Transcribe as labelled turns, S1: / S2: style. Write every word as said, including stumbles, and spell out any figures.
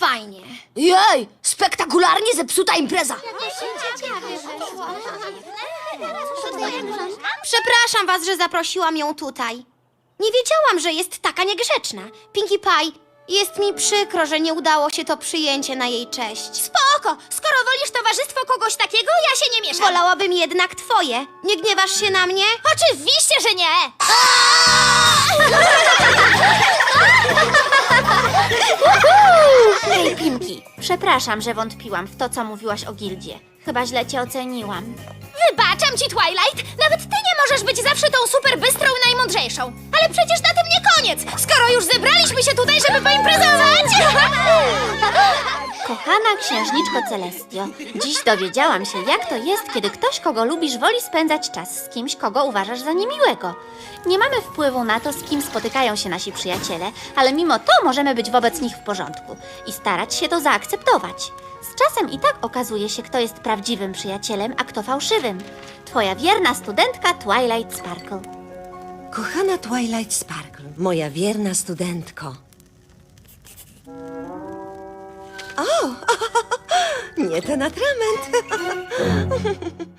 S1: fajnie. Jej, spektakularnie zepsuta impreza. Przepraszam was, że zaprosiłam ją tutaj. Nie wiedziałam, że jest taka niegrzeczna. Pinkie Pie, jest mi przykro, że nie udało się to przyjęcie na jej cześć. Spoko! Skoro wolisz towarzystwo kogoś takiego, ja się nie mieszam. Wolałabym jednak twoje. Nie gniewasz się na mnie? Oczywiście, że nie!
S2: Hej, Pinki, przepraszam, że wątpiłam w to, co mówiłaś o gildzie. Chyba źle cię oceniłam.
S1: Wybaczam ci, Twilight. Nawet ty nie możesz być zawsze tą super bystrą i najmądrzejszą. Ale przecież na tym nie koniec. Skoro już zebraliśmy się tutaj, żeby poimprezować.
S2: Kochana księżniczko Celestio, dziś dowiedziałam się, jak to jest, kiedy ktoś, kogo lubisz, woli spędzać czas z kimś, kogo uważasz za niemiłego. Nie mamy wpływu na to, z kim spotykają się nasi przyjaciele, ale mimo to możemy być wobec nich w porządku i starać się to zaakceptować. Z czasem i tak okazuje się, kto jest prawdziwym przyjacielem, a kto fałszywym. Twoja wierna studentka Twilight Sparkle.
S3: Kochana Twilight Sparkle, moja wierna studentko. O, nie ten atrament.